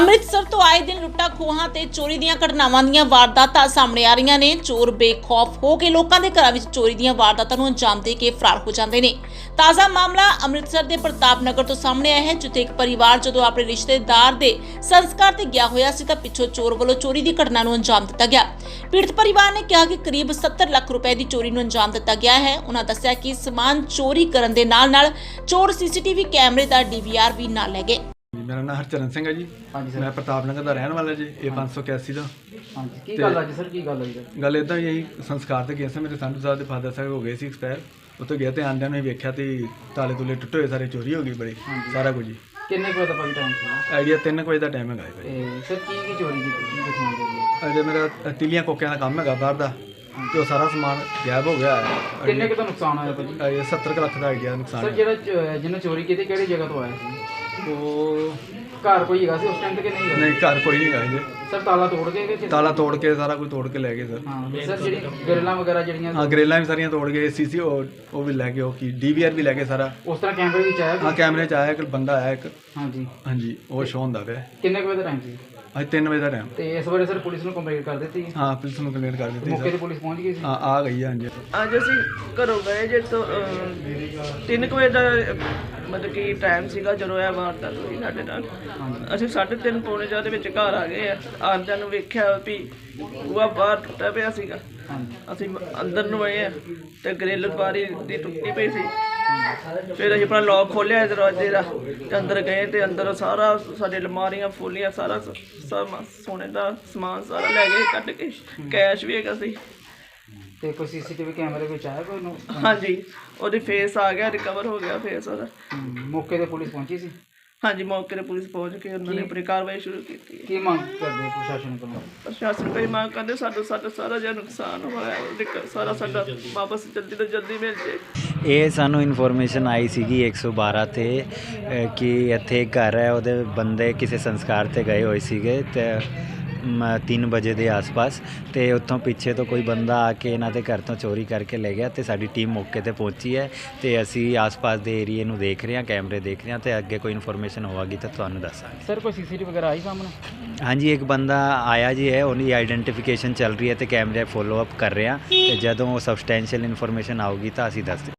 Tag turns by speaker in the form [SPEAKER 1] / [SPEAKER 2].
[SPEAKER 1] ਅੰਮ੍ਰਿਤਸਰ ਤੋਂ ਆਏ ਦਿਨ ਲੁੱਟਾਂ ਖੋਹਾਂ ਤੇ ਚੋਰੀ ਦੀਆਂ ਘਟਨਾਵਾਂ ਦੀਆਂ ਵਾਰਦਾਤਾਂ ਸਾਹਮਣੇ ਆ ਰਹੀਆਂ ਨੇ। ਚੋਰ ਬੇਖੌਫ ਹੋ ਕੇ ਲੋਕਾਂ ਦੇ ਘਰਾਂ ਵਿੱਚ ਚੋਰੀ ਦੀਆਂ ਵਾਰਦਾਤਾਂ ਨੂੰ ਅੰਜਾਮ ਦੇ ਕੇ ਫਰਾਰ ਹੋ ਜਾਂਦੇ ਨੇ। ਤਾਜ਼ਾ ਮਾਮਲਾ ਅੰਮ੍ਰਿਤਸਰ ਦੇ ਪ੍ਰਤਾਪ ਨਗਰ ਤੋਂ ਸਾਹਮਣੇ ਆਇਆ ਹੈ, ਜਿੱਥੇ ਇੱਕ ਪਰਿਵਾਰ ਜਦੋਂ ਆਪਣੇ ਰਿਸ਼ਤੇਦਾਰ ਦੇ ਸੰਸਕਾਰ ਤੇ ਗਿਆ ਹੋਇਆ ਸੀ ਤਾਂ ਪਿੱਛੋਂ ਚੋਰ ਵੱਲੋਂ ਚੋਰੀ ਦੀ ਘਟਨਾ ਨੂੰ ਅੰਜਾਮ ਦਿੱਤਾ ਗਿਆ। ਪੀੜਤ ਪਰਿਵਾਰ ਨੇ ਕਿਹਾ ਕਿ ਕਰੀਬ 70 ਲੱਖ ਰੁਪਏ ਦੀ ਚੋਰੀ ਨੂੰ ਅੰਜਾਮ ਦਿੱਤਾ ਗਿਆ ਹੈ। ਉਹਨਾਂ ਦੱਸਿਆ ਕਿ ਸਮਾਨ ਚੋਰੀ ਕਰਨ ਦੇ ਨਾਲ ਚੋਰ ਸੀਸੀਟੀਵੀ ਕੈਮਰੇ ਦਾ DVR ਵੀ ਨਾਲ ਲੈ ਗਏ।
[SPEAKER 2] मेरा नाम हरचरण सिंह है जी।
[SPEAKER 3] हाँ जी सर।
[SPEAKER 2] मैं प्रताप नगर का रहने वाला जी। ये 581 का
[SPEAKER 3] हाँ जी की गल अज सर की गल है
[SPEAKER 2] गल इदा यही संस्कार ते गया सी। मेरे संधू साहब के फादर साहब हो गए सी एक्सपायर। उत्थे गया तो आंदियां ने वेख्या तो ताले तुले टुटे हुए सारे चोरी हो गई बड़ी सारा कुछ जी।
[SPEAKER 3] किन्ने बजे का टाइम था?
[SPEAKER 2] आइडिया 3 बजे का टाइम है भाई।
[SPEAKER 3] सर की चोरी की
[SPEAKER 2] अजे मेरा तिलियां कोकियां का काम है बाहर का तो सारा समान गायब हो गया है।
[SPEAKER 3] किन्ने का नुकसान आया भाई?
[SPEAKER 2] 70 लाख का आइडिया नुकसान
[SPEAKER 3] सर ਜਿਹੜਾ ਜਿਹਨੇ चोरी की ਕਿਹੜੀ ਜਗ੍ਹਾ ਤੋਂ ਆਇਆ ਸੀ?
[SPEAKER 2] वो
[SPEAKER 3] ਘਰ ਕੋਈ ਹੈਗਾ ਸੀ ਉਸ ਟਾਈਮ ਤੇ ਕਿ ਨਹੀਂ ਹੈਗਾ?
[SPEAKER 2] नहीं घर कोई नहीं गए जी।
[SPEAKER 3] ਸਰ ਤਾਲਾ ਤੋੜ ਕੇ ਕਿ
[SPEAKER 2] ताला तोड़ के सारा कुछ तोड़ के ले गए सर।
[SPEAKER 3] ਹਾਂ ਸਰ ਜਿਹੜੀ ਗਰਲਾਂ ਵਗੈਰਾ ਜਿਹੜੀਆਂ
[SPEAKER 2] हाँ ग्रेलां भी सारियां तोड़ गए। सीसी वो भी ले गए की DVR भी ले गए सारा।
[SPEAKER 3] ਉਸ ਤਰ੍ਹਾਂ ਕੈਮਰੇ ਵਿੱਚ ਆਇਆ
[SPEAKER 2] हाँ कैमरे च आया एक बंदा आया एक।
[SPEAKER 3] हाँ जी
[SPEAKER 2] हाँ जी वो शो होंदा पिया।
[SPEAKER 3] ਕਿੰਨੇ ਕੁ ਵਜੇ ਦਾ ਟਾਈਮ ਸੀ?
[SPEAKER 2] ਅੱਜ 3 ਵਜੇ ਦਾ ਟਾਈਮ।
[SPEAKER 3] ਤੇ ਇਸ ਬਾਰੇ ਸਰ ਪੁਲਿਸ ਨੂੰ ਕੰਪਲੇਂਟ ਕਰ ਦਿੱਤੀ?
[SPEAKER 2] ਹਾਂ ਪੁਲਿਸ ਨੂੰ ਕੰਪਲੇਂਟ ਕਰ ਦਿੱਤੀ
[SPEAKER 3] ਮੌਕੇ
[SPEAKER 2] ਸਰ।
[SPEAKER 3] ਤੇ ਪੁਲਿਸ ਪਹੁੰਚ ਗਈ ਸੀ?
[SPEAKER 2] ਹਾਂ ਆ ਗਈ ਹੈ ਹਾਂਜੀ।
[SPEAKER 4] ਅੱਜ ਅਸੀਂ ਘਰੋਂ ਗਏ ਜੇ ਤੋਂ 3 ਵਜੇ ਦਾ ਮਤਲਬ ਕਿ ਟਾਈਮ ਸੀਗਾ ਜਦੋਂ ਇਹ ਵਾਰਦਾਤ ਹੋਈ ਸਾਡੇ ਨਾਲ। ਅਸੀਂ 3:30 ਪੌਣੇ 4 ਦੇ ਵਿੱਚ ਘਰ ਆ ਗਏ ਆ। ਆਂਦਿਆਂ ਨੂੰ ਵੇਖਿਆ ਵੀ ਬੂਹਾ ਬਾਹਰ ਟੁੱਟਾ ਪਿਆ ਸੀਗਾ। ਅਸੀਂ ਅੰਦਰ ਨੂੰ ਆਏ ਆ ਤੇ ਗ੍ਰਿਲ ਬਾਰੀ ਦੀ ਟੁੱਟੀ ਪਈ ਸੀ। ਫਿਰ ਅਸੀਂ ਆਪਣਾ ਲੌਕ ਖੋਲ੍ਹਿਆ ਦਰਵਾਜ਼ੇ ਦਾ ਤੇ ਅੰਦਰ ਗਏ ਤੇ ਅੰਦਰ ਸਾਰਾ ਸਾਡੇ ਅਲਮਾਰੀਆਂ ਫੁੱਲੀਆਂ ਸਾਰਾ ਸੋਨੇ ਦਾ ਸਮਾਨ ਸਾਰਾ ਲੈ ਗਏ ਕੱਢ ਕੇ। ਕੈਸ਼ ਵੀ ਹੈਗਾ ਸੀ।
[SPEAKER 3] ਤੇ ਕੋਈ ਸੀਸੀਟੀਵੀ ਕੈਮਰੇ ਵਿੱਚ ਆਇਆ ਕੋਈ ਨੂੰ?
[SPEAKER 4] ਹਾਂਜੀ ਉਹਦੇ ਫੇਸ ਆ ਗਿਆ, ਰਿਕਵਰ ਹੋ ਗਿਆ ਫੇਸ ਉਹਦਾ।
[SPEAKER 3] ਮੌਕੇ ਤੇ ਪੁਲਿਸ ਪਹੁੰਚੀ ਸੀ?
[SPEAKER 4] ਹਾਂਜੀ ਮੌਕੇ 'ਤੇ ਪੁਲਿਸ ਪਹੁੰਚ ਕੇ ਉਹਨਾਂ ਨੇ ਆਪਣੀ ਕਾਰਵਾਈ ਸ਼ੁਰੂ ਕੀਤੀ ਹੈ।
[SPEAKER 3] ਕੀ ਮੰਗ ਕਰਦੇ ਪ੍ਰਸ਼ਾਸਨ ਕੋਲੋਂ?
[SPEAKER 4] ਪ੍ਰਸ਼ਾਸਨ ਕੋਈ ਮੰਗ ਕਰਦੇ ਸਾਡਾ ਸਾਰਾ ਜਿਹੜਾ ਨੁਕਸਾਨ ਹੋਇਆ ਉਹਦੇ ਸਾਰਾ ਸਾਡਾ ਵਾਪਸ ਜਲਦੀ ਤੋਂ ਜਲਦੀ ਮਿਲ ਜੇ।
[SPEAKER 5] ਇਹ ਸਾਨੂੰ ਇਨਫੋਰਮੇਸ਼ਨ ਆਈ ਸੀਗੀ 112 ਤੇ ਕਿ ਇੱਥੇ ਇੱਕ ਘਰ ਹੈ, ਉਹਦੇ ਬੰਦੇ ਕਿਸੇ ਸੰਸਕਾਰ ਤੇ ਗਏ ਹੋਏ ਸੀਗੇ ਤੇ 3 ਵਜੇ ਦੇ ਆਸ-ਪਾਸ ਤੇ ਉੱਥੋਂ ਪਿੱਛੇ ਤੋਂ ਕੋਈ ਬੰਦਾ ਆ ਕੇ ਇਹਨਾਂ ਦੇ ਘਰ ਤੋਂ ਚੋਰੀ ਕਰਕੇ ਲੈ ਗਿਆ ਤੇ ਸਾਡੀ ਟੀਮ ਮੌਕੇ ਤੇ ਪਹੁੰਚੀ ਹੈ ਤੇ ਅਸੀਂ ਆਸ-ਪਾਸ ਦੇ ਏਰੀਏ ਨੂੰ ਦੇਖ ਰਹੇ ਹਾਂ, ਕੈਮਰੇ ਦੇਖ ਰਹੇ ਹਾਂ ਤੇ ਅੱਗੇ ਕੋਈ ਇਨਫੋਰਮੇਸ਼ਨ ਹੋਵੇਗੀ ਤਾਂ ਤੁਹਾਨੂੰ ਦੱਸਾਂਗੇ।
[SPEAKER 3] ਸਰ ਕੋਈ ਸੀਸੀਟੀਵੀ ਵਗੈਰਾ ਆਈ ਸਾਹਮਣੇ?
[SPEAKER 5] ਹਾਂਜੀ ਇੱਕ ਬੰਦਾ ਆਇਆ ਜੀ ਹੈ, ਉਹਦੀ ਆਈਡੈਂਟੀਫਿਕੇਸ਼ਨ ਚੱਲ ਰਹੀ ਹੈ ਤੇ ਕੈਮਰੇ ਫੋਲੋ ਅਪ ਕਰ ਰਹੇ ਹਾਂ ਤੇ ਜਦੋਂ ਸਬਸਟੈਂਸ਼ੀਅਲ ਇਨਫੋਰਮੇਸ਼ਨ ਆਊਗੀ ਤਾਂ ਅਸੀਂ ਦੱਸ